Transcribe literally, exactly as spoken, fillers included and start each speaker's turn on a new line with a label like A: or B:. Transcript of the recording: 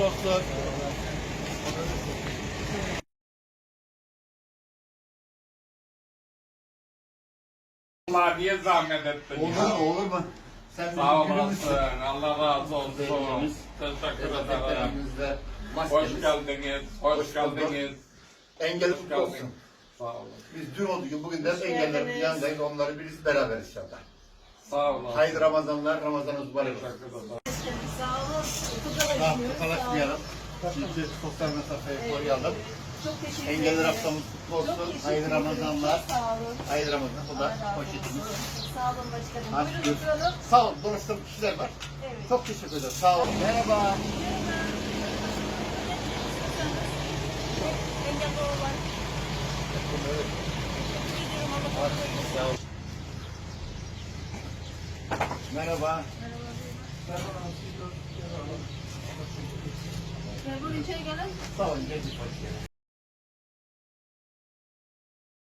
A: kutlu olsun.
B: Allah diye zahmet ettin
A: Olur
B: ya.
A: mu olur mu? Sen
B: Sağ
A: bizim
B: olasın.
A: günümüzsün.
B: Allah razı olsun.
A: Beynimiz,
B: Teşekkür ederim.
A: dezenfektanımızda
B: Hoş
A: maskemiz.
B: geldiniz. Hoş,
A: Hoş bulduk.
B: geldiniz.
A: Engel
B: Hoş
A: kutlu olsun.
B: geldin. Sağ olun.
A: Biz dün olduğu gibi bugün de engellerin yanındayız. Onları birisi beraber inşallah.
B: Sağ olun.
A: Hayırlı Ramazanlar, Ramazanınız mübarek olsun.
B: Teşekkür ederim.
C: Sağ olun.
A: Tamam, kalaşmayalım. Şimdi sosyal mesafeyi koruyalım.
C: Çok teşekkür
A: Engeller
C: ederim.
A: haftamız kutlu
C: Çok
A: olsun.
C: teşekkür
A: Hayırlı
C: ederim.
A: Ramazanlar.
C: Çok sağ olun.
A: Hayırlı Ramazan. Bu da
C: Allah razı
A: poşetimiz.
C: olsun. Sağ olun başkanım.
A: Hadi
C: Buyurun
A: görüşürüz.
C: oturalım.
A: Sağ olun. Dolaştığım kişiler var.
C: Evet.
A: Çok teşekkür ederim. Sağ olun. Merhaba.
C: Engelli olan.
A: Merhaba.
C: Gel buyurun içeri gelin.
A: Sağ olun. Geldik. Hoş geldin.